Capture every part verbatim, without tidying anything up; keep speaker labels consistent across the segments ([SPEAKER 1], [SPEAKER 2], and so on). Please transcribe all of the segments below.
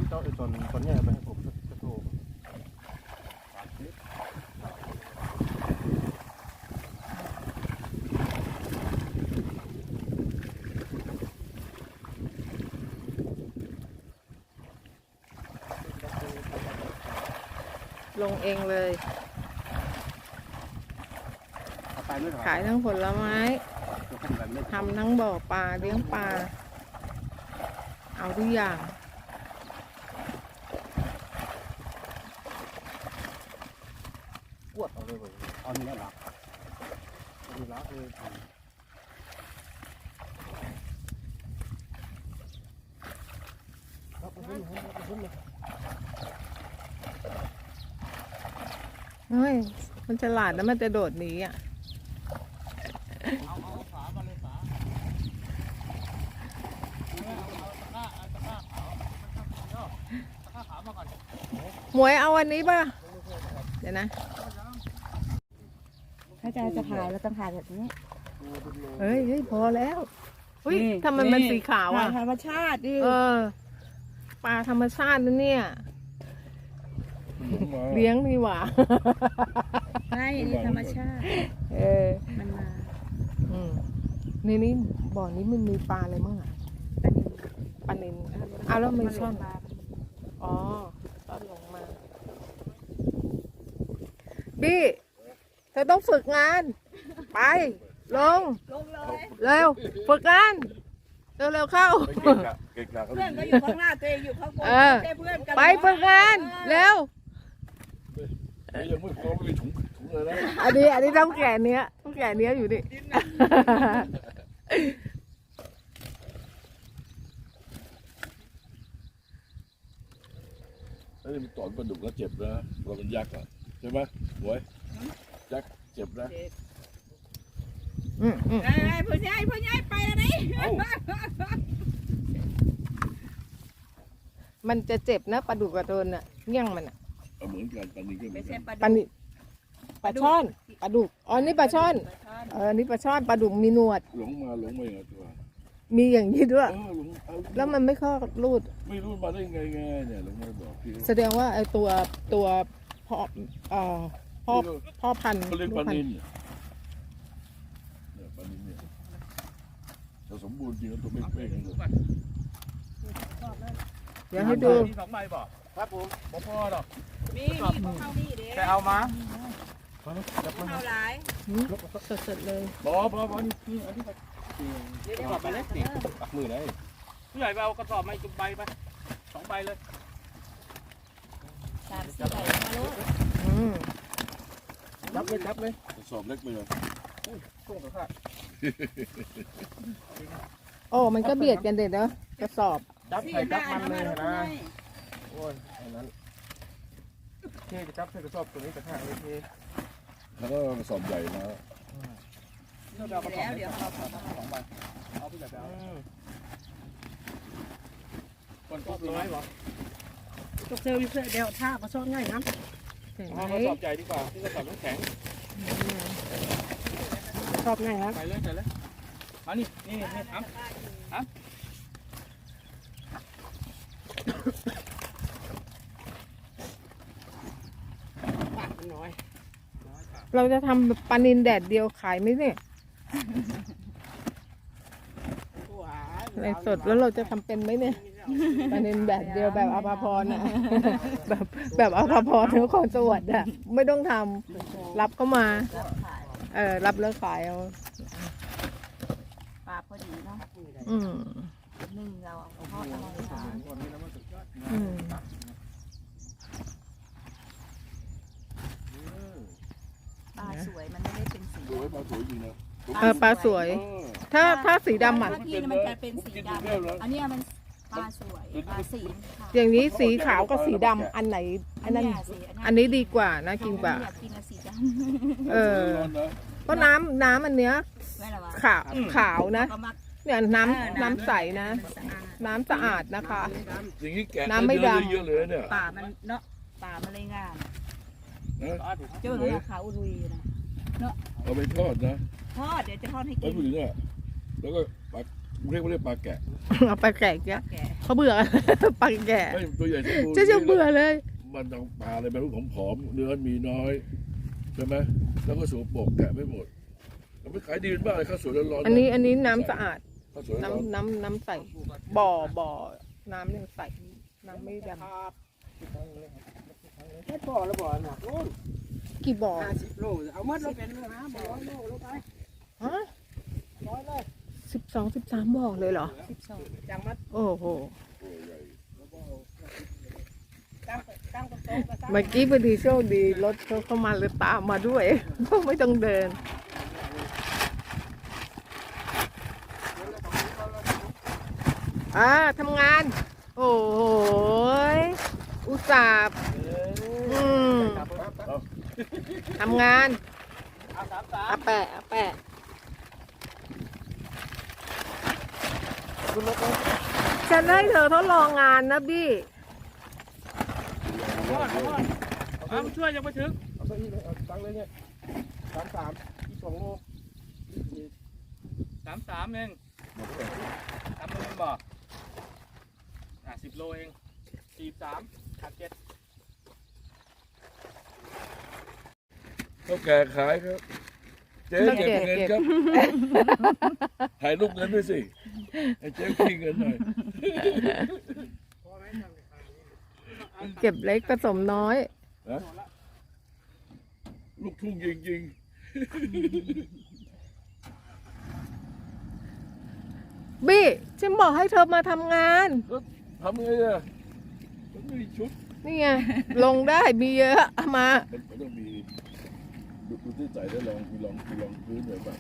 [SPEAKER 1] เจ้าไอ้ตอนตอนนี้ไปให้ผมสักโล
[SPEAKER 2] ลงเองเลยขายทั้งผลไม้ทำทั้งบ่อปลาเลี้ยงปลาเอาทุกอย่าง
[SPEAKER 1] กวดเอาเลยเลยเอาเนื้อหลักเอาหลักเลยครับขึ้นขึ้นเลย
[SPEAKER 2] เฮ้ยมันฉลาดแล้วมันจะโดดหนีอ่ะ
[SPEAKER 1] เอาเอาฝามาเลยฝาเอาเอาตะกร้าเอาตะกร้าขาวตะกร้าขาวมาก่อน
[SPEAKER 2] หมวยเอาวันนี้ป่ะเดี๋ยวนะ
[SPEAKER 3] ถ้าจะจะถ่ายเราต้องถ่ายแบบนี้
[SPEAKER 2] เฮ้ยเฮ้ยพอแล้วเฮ้ยทำไมมันสีขาวอ่ะ
[SPEAKER 3] ธรรมชาติดิ
[SPEAKER 2] เออปลาธรรมชาตินะเนี่ยเลี้ยงดีหว่า
[SPEAKER 3] ใช่นี่ธรรมชาติ
[SPEAKER 2] เออ
[SPEAKER 3] มันมา
[SPEAKER 2] อืมนี่นี่บ่อนี้มันมีปลาอะไรมั่งอ่ะปลานิลเอาแล้วไม่ช่อนอ๋อต้อนลงมาบี้เธอต้องฝึกงานไปลง
[SPEAKER 3] ลงเลย
[SPEAKER 2] เร็วฝึกงานเร็วเร็วเข้า
[SPEAKER 3] เพื่อนก็อยู่ข้างหน้าตัวเองอยู่ข้างบนเพื่อนกัน
[SPEAKER 2] ไปฝึกงานเร็ว
[SPEAKER 1] ยังไม่พอไม่ถุงถุงเลยนะ
[SPEAKER 2] อันนี้อันนี้ต้องแก่เนี้ยต้องแก่เนี้ยอยู่ดิ
[SPEAKER 1] แล้วมันตอนปลาดุกแล้วเจ็บนะเราเป็นยักษ์อ่ะใช่ไหมหวยยักษ์เจ็บนะ
[SPEAKER 2] อืมอืม
[SPEAKER 3] ไอ้ผู้ใหญ่ผู้ใหญ่ไปอะไร
[SPEAKER 2] มันจะเจ็บนะปลาดุกกระโดนอ่ะเงี้ยงมันอ่ะ
[SPEAKER 1] เหมือนกันปลานิลก็เหมือนกัน
[SPEAKER 2] ปลานิลปลาช่อนปลาดุกอ๋อนี่ปลาช่อนเออนี่ปลาช่อนปลาดุกมีหนวด
[SPEAKER 1] หลงมาหลงมาอย่างตัว
[SPEAKER 2] มีอย่างนี้ด้วย
[SPEAKER 1] หลง
[SPEAKER 2] แล้วมันไม่เข้ารูด
[SPEAKER 1] ไม่รู้มาได้ไงไงเนี่ยหลงมาบอกพี่
[SPEAKER 2] แสดงว่าไอ้ตัวตัวพ่อเอ่อพ่อพ่อพันธุ์
[SPEAKER 1] เขาเรียกปลานิลเนี่ยปลานิลเนี่ยจะสมบูรณ์จริงแล้วตัวไม่เป๊ะเลย
[SPEAKER 2] เดี๋ยวให้ดู
[SPEAKER 1] สองใบบอกครับผมผมพ่อหรอก
[SPEAKER 3] มีมีพวกเขานี่เด้
[SPEAKER 1] แต่เอามา
[SPEAKER 3] เอาหลาย
[SPEAKER 2] สดๆเลย
[SPEAKER 1] บอบอบอนี่นี่อันนี้ไปเดี๋ยวไปเลยสิปักมือเลยผู้ใหญ่ไปเอากระสอบมาจุ่มใบไปสองใบเลย
[SPEAKER 3] สามสี่ใบมาลูก
[SPEAKER 1] จับเลยจับเลยกระสอบเล็กไปเลยกุ้งกระค่ะ
[SPEAKER 2] โอ้มันก็เบียดกันเด็ดเนาะกระสอบ
[SPEAKER 1] จับใส่จับมันเลยนะโอ้ยอันนั้นเท่จะจับใส่กระสอบตัวนี้กระค่ะเลยเท่แล้วก็กระสอบใหญ่นะ
[SPEAKER 3] แล้วเดี๋ยวเรา
[SPEAKER 1] สองใบเอาไปจับแล้วคนชอบเลยเหรอ
[SPEAKER 3] ตกเซลล์อยู่เพื่อเดี๋ยวท่ามาซ่อนง่ายนะ
[SPEAKER 1] เอากระสอบใหญ่ดีกว่าที่กระสอบน้ำแข็ง
[SPEAKER 3] ชอบง่ายครับ
[SPEAKER 1] ใส่เลยใส่เลยมานี่นี่นี่ครับครับ
[SPEAKER 2] เราจะทำปลานิลแดดเดียวขายไหมเนี่ยในสดแล้วเราจะทำเป็นไหมเนี่ยปลานิลแดดเดียวแบบอภพรน่ะแบบแบบอภพรนครสวรรค์อ่ะไม่ต้องทำรับเข้ามาเออรับแล้วขายเอา
[SPEAKER 3] ปลาพอดีเนาะ
[SPEAKER 2] อืม
[SPEAKER 3] หนึ่งเราเอาทอดอร่อยนะ
[SPEAKER 2] อืม
[SPEAKER 3] ปลาสวยมันไม่ได้เป็นสี
[SPEAKER 1] สวยปลาสวยจริงนะ
[SPEAKER 2] เออปลาสวยถ้าถ้าสีดำอ่ะ
[SPEAKER 3] ที่มันจะเป็นสีดำอันนี้มันปลาสวยปลาสี
[SPEAKER 2] อย่างนี้สีขาวกับสีดำอันไหนอันนั้นอันนี้ดีกว่านะกินกว่าเออก็น้ำน้ำอันเนี้ยขาวขาวนะเนี่ยน้ำน้ำใสนะน้ำสะอาดนะคะน้ำไม่ดำ
[SPEAKER 1] เยอะเลยเนี่ย
[SPEAKER 3] ป่ามันเนาะป่ามันเลยงามเจ้าหน้าขาวอุลุยนะเนาะ
[SPEAKER 1] เอาไปทอดนะ
[SPEAKER 3] ทอดเดี๋ยวจะทอดให้กิน
[SPEAKER 1] ไปผู้หญิงอ่ะแล้วก็ปัก
[SPEAKER 4] เรียกว่าเรียกปลาแกะ
[SPEAKER 2] เอาไปแกะแกะเขาเบื่อ ปลาแกะ
[SPEAKER 4] ไม่ตัวใหญ่สมบูรณ์
[SPEAKER 2] เจะจะเบื่อเลย
[SPEAKER 4] มันต้องปลาอะไรแบบผอมๆเนื้อมีน้อยใช่ไหมแล้วก็สูบโปกแกะไม่หมดแล้วไม่ขายดีมากเลยข้าวสวยร้อนๆ
[SPEAKER 2] อันนี้อันนี้น้ำสะอาด
[SPEAKER 4] ข้าวสวยร้อน
[SPEAKER 2] น้ำน้ำน้ำใสบ่อบ่อน้ำยังใสน้ำไม่ด
[SPEAKER 1] แค่บ่อละบ่อหนักโน่น
[SPEAKER 2] ำกี่บ่อ
[SPEAKER 1] ห้าสิบโลเอามัดเราเป็นเลยนะบ่อร้อยโลลงไป
[SPEAKER 2] ฮะ
[SPEAKER 1] ร้อยเลย
[SPEAKER 2] สิบสองสิบสามบ่อเลยเหรอ
[SPEAKER 3] สิบสอง
[SPEAKER 1] จังมัด
[SPEAKER 2] โอ้โห
[SPEAKER 4] โอ้ใหญ่
[SPEAKER 1] ตั้งตั้งตรงโต๊ะก็ตั้ง
[SPEAKER 2] เมื่อกี้พอดีโชคดีรถเขาเข้ามาเลยตามมาด้วย ไม่ต้องเดิน อ่าทำงาน โอ้โหยอุตส่าห์อืมทำงาน
[SPEAKER 1] เอาสามสาม
[SPEAKER 2] อาแปะอาแปะ
[SPEAKER 1] คุณรถเลย
[SPEAKER 2] ฉันให้เธอทดลองงานนะบี้
[SPEAKER 1] เอาก่อนเอาก่อนเอามาช่วยยังไม่ถึงเอาตัวนี้เลยเอาตั้งเลยเนี่ยสามสามอีกสองโลสามสามเองสามโลเองบอกอ่ะสิบโลเองสี่สามขาดเจ็ด
[SPEAKER 4] ข้าวแก่ขายครับเจ๊เก็บเงินครับถ่ายรูปเงินด้วยสิให้เจ๊ขี้เงินหน่อย
[SPEAKER 2] เก็บเล็กผสมน้อย
[SPEAKER 4] นะลูกทุ่งจริง
[SPEAKER 2] บี้ฉันบอกให้เธอมาทำงาน
[SPEAKER 4] ๆทำไงอ่ะมันไม่มีชุด
[SPEAKER 2] นี่ไง ลงได้มีเยอะเอามา
[SPEAKER 4] มันมันต้องมีดูดูที่ใส่ได้ลองมีลองมีลองพื้นหน่อยแบบ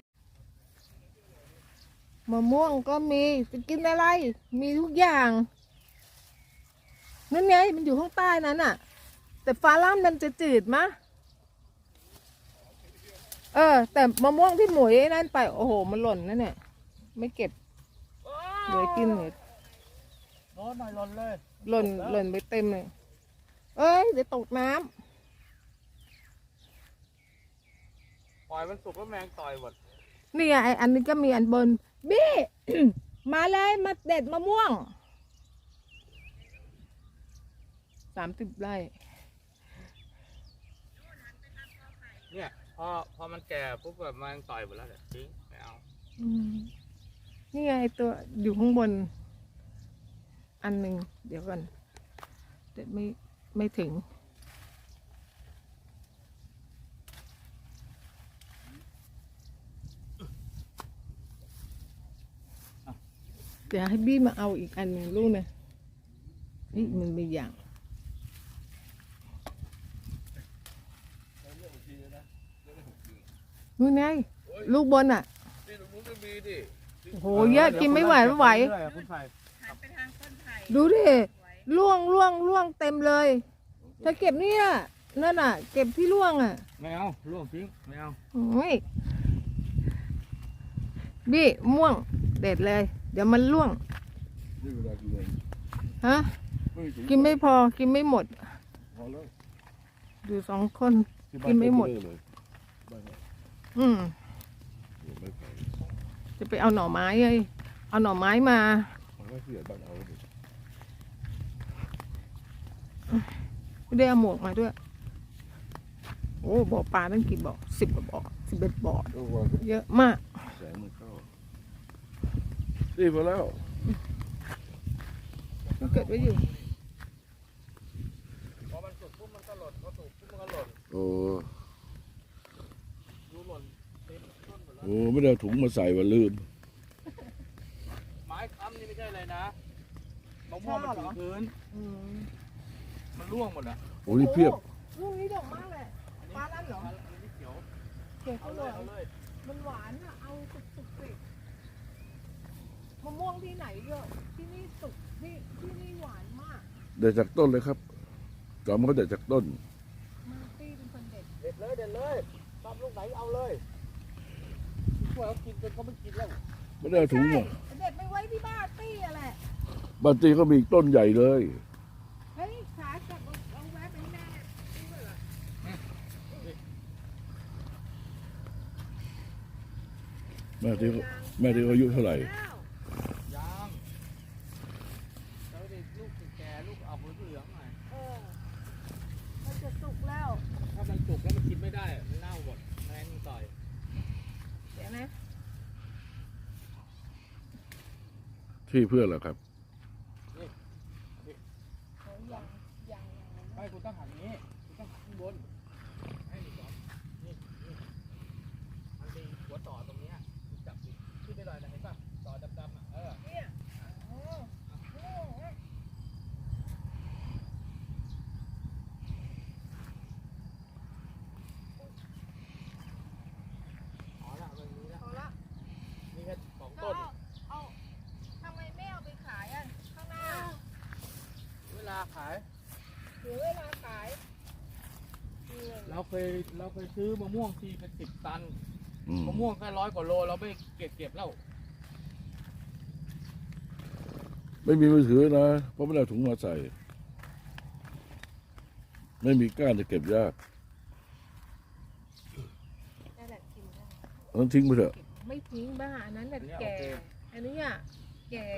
[SPEAKER 2] มะม่วงก็มีจะกินอะไร มีทุกอย่างนั่นไงมันอยู่ข้างใต้นั้นน่ะ แต่ฟ้าล่ามมันจะจืดมะเออ แต่มะม่วงที่หมวยไอ้นั่นไปโอ้โหมันหล่นนั่นเนี่ยไม่เก็บเหลือกินเหลือ
[SPEAKER 1] โน้ตหน่อยหล่นเลย
[SPEAKER 2] หล่นหล่นไปเต็มเลย เอ้ยเดี๋ยวตกน้ำ
[SPEAKER 1] ปล่อยมันสุกแล้วแมงต่อยหมด
[SPEAKER 2] นี่ไงไออันนี้ก็มีอันบน บี้ มาเลยมาเด็ดมะม่วงสามสิบไร่
[SPEAKER 1] เนี่ยพอพอมันแก่ปุ๊บแบบแมงต่อยหมดแล้วเดี๋ยวทิ้งไม่เอา
[SPEAKER 2] อืมนี่ไงตัวอยู่ข้างบน อันหนึ่งเดี๋ยวก่อนเดี๋ยวไม่ไม่ถึง เดี๋ยวให้บี้มาเอาอีกอันหนึ่งลูกนะนี่มันมีอย่างนู่นไงลูกบนอ่ะ
[SPEAKER 4] นี่ตรงนู้นก็มีดิ
[SPEAKER 2] โอ้โหเยอะกินไม่ไหวไม่ไหว
[SPEAKER 1] คุณไผ่
[SPEAKER 3] หันไปทางต้นไผ่
[SPEAKER 2] ดูดิล่วงล่วงล่วงเต็มเลยเธอเก็บเนี่ยนั่นอ่ะ เก็บที่ล่วงอ่ะ
[SPEAKER 1] ไม่เอาล่วงทิ้งไม่เอา
[SPEAKER 2] โอ้ยบี้ม่วงเด็ดเลย เดี๋ยวมันล่วง
[SPEAKER 4] นี่เวลากินเอง
[SPEAKER 2] ฮะ
[SPEAKER 4] ไม่มีถุง
[SPEAKER 2] กินไม่พอกินไม่หมด
[SPEAKER 4] พอแล้ว
[SPEAKER 2] อยู่สองคน
[SPEAKER 4] ที่บ้า
[SPEAKER 2] กินไม่หมด
[SPEAKER 4] เก็บเลยบ้านเนี่ย
[SPEAKER 2] อืม
[SPEAKER 4] โอ้ไม่ไป
[SPEAKER 2] จะไปเอาหน่อไม้เลยเอาหน่อไม้มา
[SPEAKER 4] มันไม่เสียบ้านเอาดิ
[SPEAKER 2] ไม่ได้เอาหมวกมาด้วย โอ้บ่อปลาตั้งกี่บ่อสิบกว่าบ่อสิบเอ็ดบ่อ
[SPEAKER 4] ก็วาง
[SPEAKER 2] เยอะมาก
[SPEAKER 4] แสงมันเข้านี่พอแล้ว
[SPEAKER 2] ก็เกิดไว้อยู่
[SPEAKER 1] พอมันสุกปุ๊บมันก็หล่นพอสุกปุ๊บมันก็หล่น
[SPEAKER 4] โอ้
[SPEAKER 1] ดูหล่นเต็มต้นหมดแล้ว
[SPEAKER 4] โหไม่ได้เอาถุงมาใส่ว่าลืม
[SPEAKER 1] ไม้ค้ำนี่ไม่ใช่เลยนะมะม่วงมันถึงพื้น
[SPEAKER 2] อืม
[SPEAKER 1] มันร่วงหมดอ่ะ
[SPEAKER 4] โอ้นี่เพียบ
[SPEAKER 2] ลูกนี้ดอกมากเลยปลาลั่นเหรอ
[SPEAKER 1] อันนี้เขียว
[SPEAKER 2] เก็บ
[SPEAKER 1] เอา
[SPEAKER 2] เขา
[SPEAKER 1] เล
[SPEAKER 2] เลย ย
[SPEAKER 1] เอาเลย
[SPEAKER 2] มันหวานอะเอาสุกสุกสิมะม่วงที่ไหนเยอะที่นี่สุกที่ที่นี่หวานมาก
[SPEAKER 4] เด็ดจากต้นเลยครับจอมเขาเด็ดจากต้น
[SPEAKER 2] มาตี้เป็นคนเด็ด
[SPEAKER 1] เด็ดเลยเด็ดเลยชอบลูกไหนเอาเลยพวกเขากินจนเขาไม่กินแล้ว
[SPEAKER 4] ไม่ได้เอาถุงมา
[SPEAKER 2] เด็ดไม่ไว้ที่บ้านตี้อะแหละ
[SPEAKER 4] บางทีก็มีอีกต้นใหญ่เลย
[SPEAKER 2] เฮ้ยขาจับเอาเอาแวะไปให้แม่ตี้ด้วยเหรอ
[SPEAKER 4] แม่ที่แม่ที่เขาอายุเท่าไหร่
[SPEAKER 2] อ้าว
[SPEAKER 1] อกเหลืองหน่อย
[SPEAKER 2] เออมันจะสุกแล้ว
[SPEAKER 1] ถ้ามันสุกแล้วมันกินไม่ได้มันเน่าหมดแมงมันต่อย
[SPEAKER 2] เดี๋ยวนะ
[SPEAKER 4] ที่เพื่อนเหรอครับ
[SPEAKER 1] ไม่คุณต้องหันนี้คุณต้องหันข้างบนให้ดีก่อนนี่นี่มันมีหัวต่อตรงเนี้ยคุณจับดิขึ้นไปหน่อยนะเห็นป่ะต่อดำๆอ่ะเออ
[SPEAKER 2] เนี่ยโอ้โห
[SPEAKER 1] พอละมันมีแล้ว
[SPEAKER 2] พอละ
[SPEAKER 1] มีแค่สอง
[SPEAKER 2] ก็
[SPEAKER 1] ต้น
[SPEAKER 2] เอาเอาทำไมไม่เอาไปขายอ่ะข้างหน้า
[SPEAKER 1] เวลาขาย
[SPEAKER 2] เดี๋ยวเวลาขาย
[SPEAKER 1] เราเคยเราเคยซื้อมะม่วงทีเป็นสิบตัน
[SPEAKER 4] อืม
[SPEAKER 1] มะม่วงแค่ร้อยกว่าโลเราไม่เก็บเก็บแล้ว
[SPEAKER 4] ไม่มีมือถือนะ เพราะไม่ได้เอาถุงมาใส่ ไม่มีก้านจะเก็บยาก
[SPEAKER 2] นั่นแหละกินได้
[SPEAKER 4] เอาทิ้งไปเถอะ
[SPEAKER 2] ไม่ทิ้งบ้าอันนั้นแหละแก่อันนี้อ่ะแก่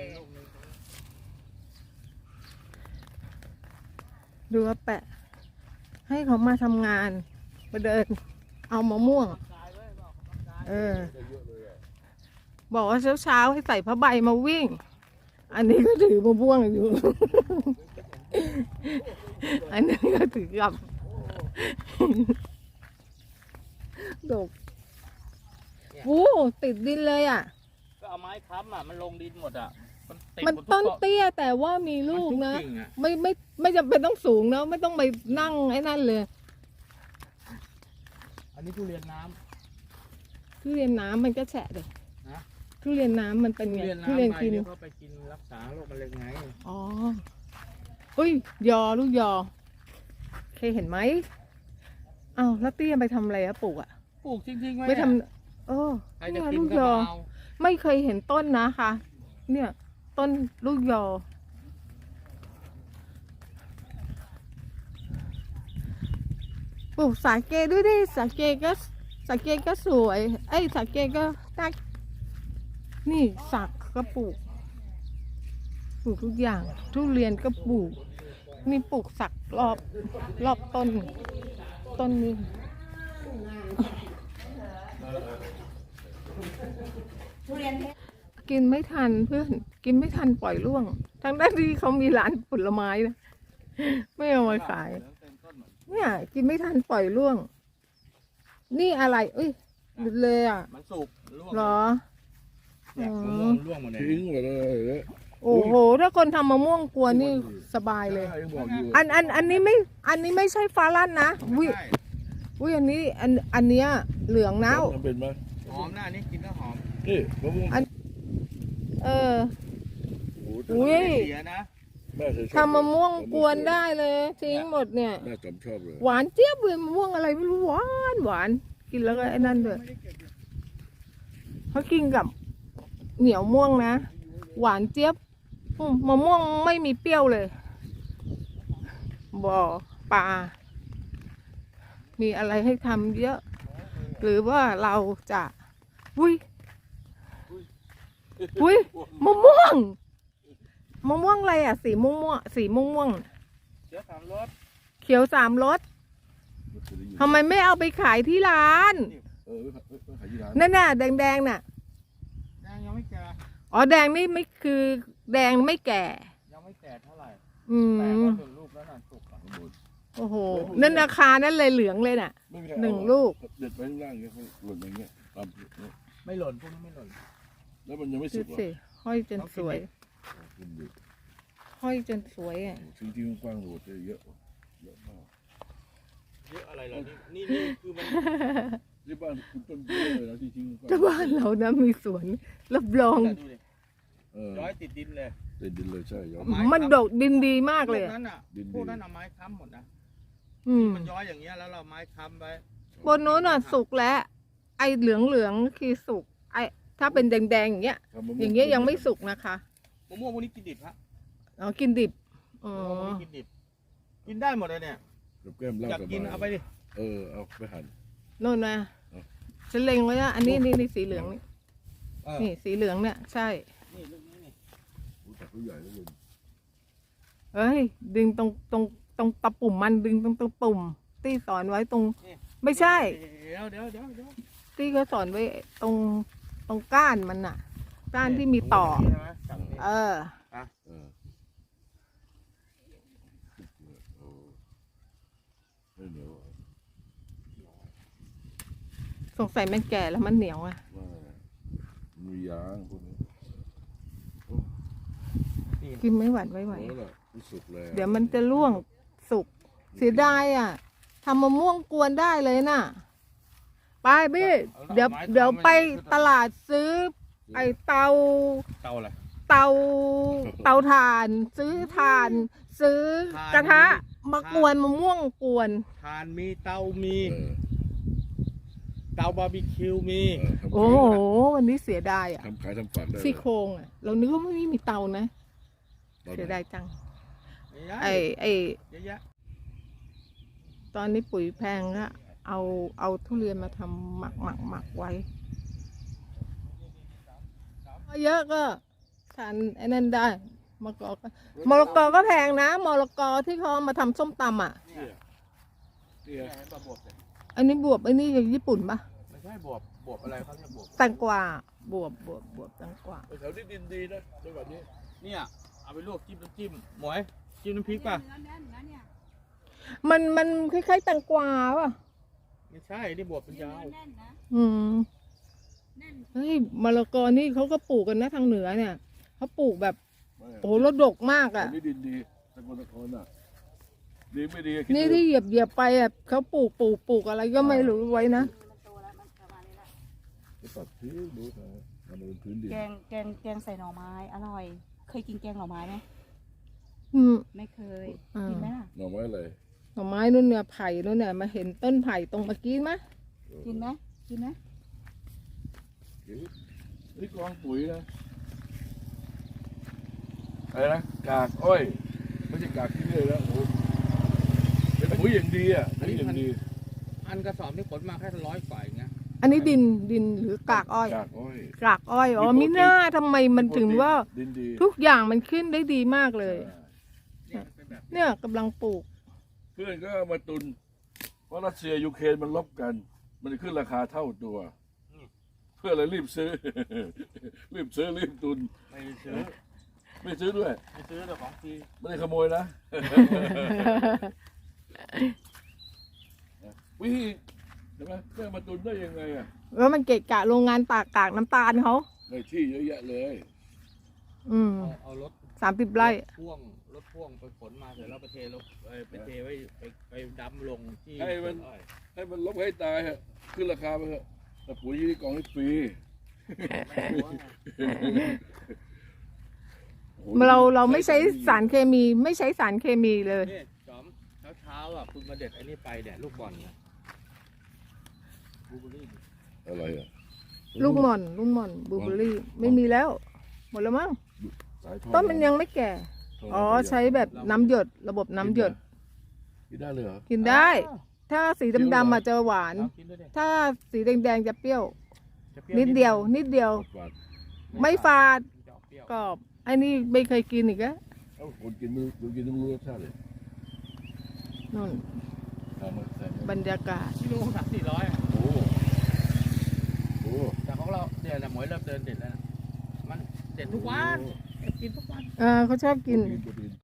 [SPEAKER 2] ดูว่าแปะ ให้เขามาทำงานมาเดิน เอามะม่วง เออ บอกว่าเช้าๆให้ใส่ผ้าใบมาวิ่ง อันนี้ก็ถือมะม่วงอยู่ อันนี้ก็ถือกับดกโอ้ติดดินเลยอ่ะ
[SPEAKER 1] ก็เอาไม้ค้ำอ่ะมันลงดินหมดอ่ะติด
[SPEAKER 2] มัน
[SPEAKER 1] หดทุก
[SPEAKER 2] ต้น
[SPEAKER 1] เกาะ
[SPEAKER 2] เตี้ยแต่ว่ามีลูกนะ
[SPEAKER 1] มันทุกิ่งอ
[SPEAKER 2] ไม่ไม่ไม่จำเป็นต้องสูงนะไม่ต้องไปนั่งไอ้นั่นเลย
[SPEAKER 1] อันนี้ทุเรียนน้ำ
[SPEAKER 2] ทุเรียนน้ำมันก็แฉะเลย
[SPEAKER 1] ฮะ
[SPEAKER 2] ทุเรียนน้ำมันเป็น
[SPEAKER 1] ทุ
[SPEAKER 2] ไง
[SPEAKER 1] เรียน
[SPEAKER 2] ทุ
[SPEAKER 1] น้ำ
[SPEAKER 2] เรียน
[SPEAKER 1] ใบ
[SPEAKER 2] กิน
[SPEAKER 1] เดี๋ยวเขาไปกินรักษาโรคมะเร็งไง
[SPEAKER 2] อ๋ออุ้ยยอลูกยอเคยเห็นไหมอ้าวแล้วเตี้ยไปทำอะไรอะปลูกอะ
[SPEAKER 1] ปลูกจริงๆไว้
[SPEAKER 2] ไม่ท
[SPEAKER 1] เนี่ย
[SPEAKER 2] ำเออ
[SPEAKER 1] ใครจะ
[SPEAKER 2] เนี่ย
[SPEAKER 1] กิน
[SPEAKER 2] ลูก
[SPEAKER 1] ก็
[SPEAKER 2] ยอ
[SPEAKER 1] มาเอา
[SPEAKER 2] ไม่เคยเห็นต้นนะคะ เนี่ย ต้นลูกยอ ปลูกสาเกด้วยดิสาเกก็สาเกก็สวยไอ้ยสาเกก็น่านี่สักก็ปลูกปลูกทุกอย่าง ทุเรียนก็ปลูกนี่ปลูกสักรอบรอบต้น ต้นนี้กินไม่ทันเพื่อน กินไม่ทันปล่อยร่วง ทั้งด้านที่เขามีร้านผลไม้นะไม่เอามาขาย เนี่ย กินไม่ทันปล่อยร่วง นี่อะไรเอ้ยหลุดเลยอ่ะ
[SPEAKER 1] มันสุกร่วง
[SPEAKER 2] เหรอ
[SPEAKER 1] เนี่ย
[SPEAKER 2] อ๋อ
[SPEAKER 1] มะม่วงร่วงหมดเลย
[SPEAKER 4] ทิ้งหมดเลย
[SPEAKER 2] โอ้โห ถ้าคนทำมะม่วงกวนนี่สบายเลย
[SPEAKER 4] ใช่บอกอยู่
[SPEAKER 2] อันอันอันนี้ไม่ อันนี้ไม่ใช่ฟ้าลั่นนะวิ
[SPEAKER 1] ใช่
[SPEAKER 2] วิอันนี้อันอันเนี้ยเหลืองนะ
[SPEAKER 4] ทำเป็นไหม
[SPEAKER 1] หอมหน้านี้กินแล้วหอม
[SPEAKER 4] นี่มะม่วง
[SPEAKER 2] อัน เออ
[SPEAKER 4] โอ้โห
[SPEAKER 2] อุ้ย
[SPEAKER 1] เสียนะ
[SPEAKER 4] แม่เคยชอบ
[SPEAKER 2] ทำมะม่วงกวนได้เลยทิ้งหมดเนี่ย
[SPEAKER 4] แม่จำชอบเลย
[SPEAKER 2] หวานเจี๊ยบเลยมะม่วงอะไรไม่รู้หวานหวานกินแล้วก็ไอ้นั่นด้วยเขากินกับเหนียวม่วงนะหวานเจี๊ยบอืมมะม่วงไม่มีเปรี้ยวเลยบ่อปลามีอะไรให้ทำเยอะ หรือว่าเราจะอุ้ยอุ้ยมะม่วงมะม่วงอะไรอ่ะ สีม่วงม่วงสีม่วงม่วง
[SPEAKER 1] เดี๋ยวถามรถ
[SPEAKER 2] เขียวสามรสทำไมไม่เอาไปขายที่ร้าน
[SPEAKER 4] เออไม่ไม่ขายที่ร้าน
[SPEAKER 2] นั่นน่ะแดงแดงๆน่ะ
[SPEAKER 1] ยังยังไม่แก่
[SPEAKER 2] อ๋อแดงนี่ไม่คือแดงไม่แก่
[SPEAKER 1] ยังไม่แก่เท่าไหร่
[SPEAKER 2] อื
[SPEAKER 1] แต่
[SPEAKER 2] ม
[SPEAKER 1] ก็เป็นลูกแล้วน่ะสุกอ่ะ
[SPEAKER 2] โอ้โหนั่นราคานั่นเลยเหลืองเลยน่ะ
[SPEAKER 4] ไม่มีใคร
[SPEAKER 2] หนึ่ง
[SPEAKER 4] เอา
[SPEAKER 2] ลูก
[SPEAKER 4] เด็ดไปข้างล่างเงี้ยหล่นอย่างเงี้ยตามเนี่ย
[SPEAKER 1] ไม่หล่นพวกนี้ไม่หล่น
[SPEAKER 4] แล้วมันยังไม่
[SPEAKER 2] ดู
[SPEAKER 4] สุกหรอ
[SPEAKER 2] สิห้อยจนสวย
[SPEAKER 4] กินดิ
[SPEAKER 2] ห้อยจนสวยอ่ะ
[SPEAKER 4] จริงๆกว้างๆโหดเลยเยอะเยอะมาก
[SPEAKER 1] เยอะอะไรเหรอนี่นี่นี่คือมัน
[SPEAKER 4] ที่บ้านคุณต้นเยอะเลยนะที่ทิ้งกว้าง
[SPEAKER 2] แต่บ้านเรานะมีสวนรับรอง
[SPEAKER 1] ดูดิ
[SPEAKER 4] เออ
[SPEAKER 1] ย้อยติดดินเลย
[SPEAKER 4] ติดดินเลยใช่ย้อน
[SPEAKER 1] ไม้
[SPEAKER 2] มันดกดินดีมากเลย
[SPEAKER 1] พวก
[SPEAKER 2] อะ
[SPEAKER 1] นั้นอ่ะ
[SPEAKER 4] ดิน
[SPEAKER 1] พวก
[SPEAKER 4] ดี
[SPEAKER 1] นั้นเอาไม้ค้ำหมดนะ
[SPEAKER 2] อืม
[SPEAKER 1] มันย้อยอย่างเงี้ยแล้วเราไม้ค้ำไว้
[SPEAKER 2] บนโน้นอ่ะสุกแล้ว ไอเหลืองเหลืองๆคือสุกไอถ้าเป็นแดงๆอย่างเงี้ย
[SPEAKER 4] ทำมะม่ว
[SPEAKER 2] อย่างเงี้ยยังไม่สุกนะคะ
[SPEAKER 1] มะม่วงพวกนี้กินดิบฮะ
[SPEAKER 2] อ๋อกินดิบอ๋อ
[SPEAKER 1] มะม่วงพวกนี้กินดิบ กินได้หมดเลยเนี่ย
[SPEAKER 4] กับแก้มเหล้า
[SPEAKER 1] อยาก
[SPEAKER 4] สบา
[SPEAKER 1] กิน
[SPEAKER 4] ย
[SPEAKER 1] เอาไปดิ
[SPEAKER 4] เออเอาไปหั่น
[SPEAKER 2] โน่นนะ
[SPEAKER 4] เอา
[SPEAKER 2] ฉันเล็งไว้นะอันนี้นี่นี่สีเหลืองนี่
[SPEAKER 1] เออ
[SPEAKER 2] นี่สีเหลืองเนี่ยใช่
[SPEAKER 1] นี่ลูกนี้นี่
[SPEAKER 4] โอ้แต่ผู้ใหญ่แล้วเลย
[SPEAKER 2] เอเอ้ย ดึงตรงตรงตรงตะปุ่มมันดึงตรงตะปุ่มที่สอนไว้ตรง ไม่ใช่
[SPEAKER 1] เดี๋ยวเดี๋ยวเดี๋ยวเดี๋ยว
[SPEAKER 2] ที่เขาสอนไว้ตรงตรงก้านมันน่ะ ก้านที่มีต่อ
[SPEAKER 1] ใช่ไหมจับนี่
[SPEAKER 2] เออ
[SPEAKER 4] เออเออไม่เหนียวอ่ะ
[SPEAKER 2] สงสัยมันแก่แล้วมันเหนียวอ่ะ
[SPEAKER 4] ว่ามียางพวกนี้
[SPEAKER 2] กินไม่หวานไม่ไหว
[SPEAKER 4] โอ้ล่ะที่สุดเลย
[SPEAKER 2] เดี๋ยวมันจะร่วงสุกเสียดายอ่ะทำมะม่วงกวนได้เลยน่ะ ไปพี่เดี๋ยวเดี๋ยวไปตลาดซื้อ ไอเตา
[SPEAKER 1] เตาอะไร
[SPEAKER 2] เตาเตาถ่าน ซื้อถ่าน ซื้อกระทะมากวนมะม่วงกวน
[SPEAKER 1] ทานมีเตามี
[SPEAKER 4] เออ
[SPEAKER 1] เตาบาร์บีคิวมี
[SPEAKER 4] เออทำ
[SPEAKER 2] โอ้
[SPEAKER 4] ขาย
[SPEAKER 2] โหวันนี้เสียดายอ่ะ
[SPEAKER 4] ทำขายทำฝันได้เลย
[SPEAKER 2] ซี่โครงอ่ะ เรานึกว่าไม่มีเตานะ
[SPEAKER 4] ตอน
[SPEAKER 2] เสีย
[SPEAKER 4] ไหน
[SPEAKER 2] ดายจัง
[SPEAKER 1] เยอะ
[SPEAKER 2] ไอไอ
[SPEAKER 1] เยอะแยะ
[SPEAKER 2] ตอนนี้ปุ๋ยแพงก็เอาเอาทุเรียนมาทำหมักหมักหมักไว้เยอะก็ทานไอ้นั่นได้มะกอกก็มะละกอก็แพงนะมะละกอที่เขาเอามาทำส้มตำอ่ะ
[SPEAKER 1] เนี่ย
[SPEAKER 4] เนี่ย
[SPEAKER 1] เนี่ยเห็นป่ะบวบเนี่ย
[SPEAKER 2] อันนี้บวบอันนี้อย่างญี่ปุ่นปะ
[SPEAKER 1] ไม่ใช่บวบบวบอะไรเขาเรียกบวบ
[SPEAKER 2] แตงกวาบวบบวบบวบแตงกวา
[SPEAKER 4] แถวนี้ดินดีนะจังหวัดนี้
[SPEAKER 1] เนี่ยเอาไปลวกจิ้มน้ำจิ้มหมวยจิ้มน้ำพริกป่ะ
[SPEAKER 2] มันมันคล้ายๆแตงกวาป่ะ
[SPEAKER 1] ไม่ใช่นี่บวบเป็นยาว
[SPEAKER 2] อืมเฮ้ยมะละกอนี่เขาก็ปลูกกันนะทางเหนือเนี่ยเขาปลูกแบบ
[SPEAKER 4] ไม่
[SPEAKER 2] โอ้โหแล้วดกมาก
[SPEAKER 4] แถ
[SPEAKER 2] อ่ะ
[SPEAKER 4] วนี้ดินดีสกลนครน่ะดีไม่ดีคิด
[SPEAKER 2] นี่
[SPEAKER 4] ดู
[SPEAKER 2] ที่เหยียบเหยียบไปอ่ะเขาปลูกปลูกปลูกอะไรก็ไม่รู้ไว้นะ
[SPEAKER 4] ไปตัดทิ้งดูเถอะมันเป็นพื้นดิน
[SPEAKER 3] แกงแกงแกงใส่หน่อไม้อร่อย เคยกินแกงหน่อไม้ไหม
[SPEAKER 2] อืม
[SPEAKER 3] ไม่เคย
[SPEAKER 2] อ่ากิ
[SPEAKER 3] กินไหมล่ะ
[SPEAKER 4] หน่อไม้อะไร
[SPEAKER 2] หน่อไม้นู่นเนี่ยไผ่นู่นเนี่ยมาเห็นต้นไผ่ตรงเมื่อกี้ไหม
[SPEAKER 3] กินไหมกินไหม
[SPEAKER 4] นี่กองปุ๋ยนะอะไรนะกากอ้อยไม่ใช่กากที่เลยแล้วโอ้โหเป็นปุ๋ยอย่างดีอ่ะปุ๋ยอย่างดี
[SPEAKER 1] อันกระสอบนี่ขนมาแค่ร้อยกว่าเองนะ
[SPEAKER 2] อันนี้ดินดินหรือกากอ้อย
[SPEAKER 4] กากอ้อย
[SPEAKER 2] กากอ้อยอ๋อมิน่าทำไมมันถึงว่า
[SPEAKER 4] ดินดี
[SPEAKER 2] ทุกอย่างมันขึ้นได้ดีมากเลย
[SPEAKER 1] เนี่ยมันเป็นแบบ
[SPEAKER 2] เนี่ยกำลังปลูก
[SPEAKER 4] เพื่อนก็เอามาตุนเพราะรัสเซียยูเครนมันลบกัน มันขึ้นราคาเท่าตัว เพื่อนเลยรีบซื้อ รีบซื้อรีบตุน
[SPEAKER 1] ไม่ได้ซื้อ
[SPEAKER 4] ไม่ซื้อด้วย
[SPEAKER 1] ไม่ซื้อแต่ของฟรี
[SPEAKER 4] ไม่ได้ขโมยนะ วิธีใช่ไหมเพื่อนมาตุนได้ยังไงอ่ะ
[SPEAKER 2] แล้วมันเกะกะโรงงานตากกากน้ำตาลเขา
[SPEAKER 4] ในที่เยอะแยะเลย
[SPEAKER 2] อืม
[SPEAKER 1] เอาเอารถ
[SPEAKER 2] สามสิบไร่
[SPEAKER 1] รถพ่วงรถพ่วงไปขนมาเสร็จแล้วไปเทลงเอ่อไปเทไว้ไปไปดำลงที่
[SPEAKER 4] ให้มัน
[SPEAKER 1] อ้อย
[SPEAKER 4] ให้มันลบให้ตายฮะขึ้นราคาไปเถอะแต่ปุ๋ยที่กองให้ฟรี
[SPEAKER 1] ไม่รู้ว่า
[SPEAKER 4] โอ้โห
[SPEAKER 2] เราเราไม่ใช้สารเคมีไม่ใช้สารเคมีเลย
[SPEAKER 1] นี่จอมเช้าเช้าๆอ่ะคุณมาเด็ดไอ้นี่ไปเนี่ยลูกบอลเนี่ยบลูเบอร์รี่
[SPEAKER 4] อะไรอ่ะ
[SPEAKER 2] ลูกหม่อนลูกหม่อนบลูเบอร์รี่ไม่มีแล้ว หมดแล้วมั้ง
[SPEAKER 4] สายทอง
[SPEAKER 2] ต้นมันยังไม่แก่ อ๋อใช้แบบน้ำหยดระบบน้ำหยด
[SPEAKER 4] กินได้เลยเหรอ
[SPEAKER 2] กินได้ ถ้าสีดำๆอาจจะหวาน
[SPEAKER 1] เอากินด้วยดิ
[SPEAKER 2] ถ้าสีแดงๆจะเปรี้ยว
[SPEAKER 1] จะปรี้
[SPEAKER 2] นิดเดียว นิดเดียว
[SPEAKER 4] หวาน
[SPEAKER 2] ไม่ฝาด
[SPEAKER 1] มันจะออกเปรี้ยว
[SPEAKER 2] กรอบไอ้นี่ไม่เคยกินอีกแล้ว
[SPEAKER 4] เอ้าคนกินไม่รู้คนกินไม่รู้รสชาติเลย
[SPEAKER 2] นู่น
[SPEAKER 4] ทำมาใส่มา
[SPEAKER 2] บรรยากาศ
[SPEAKER 1] กิโลสามสี่ร้อยอะ
[SPEAKER 4] โอ้โห
[SPEAKER 1] แต่ของเราเนี่ยแหละหมวยเริ่มเดินเด็ดแล้วนะมันเด็ดทุกวันเด็ดกินทุกวัน
[SPEAKER 2] เออเขาชอบกิน
[SPEAKER 4] โปรตีน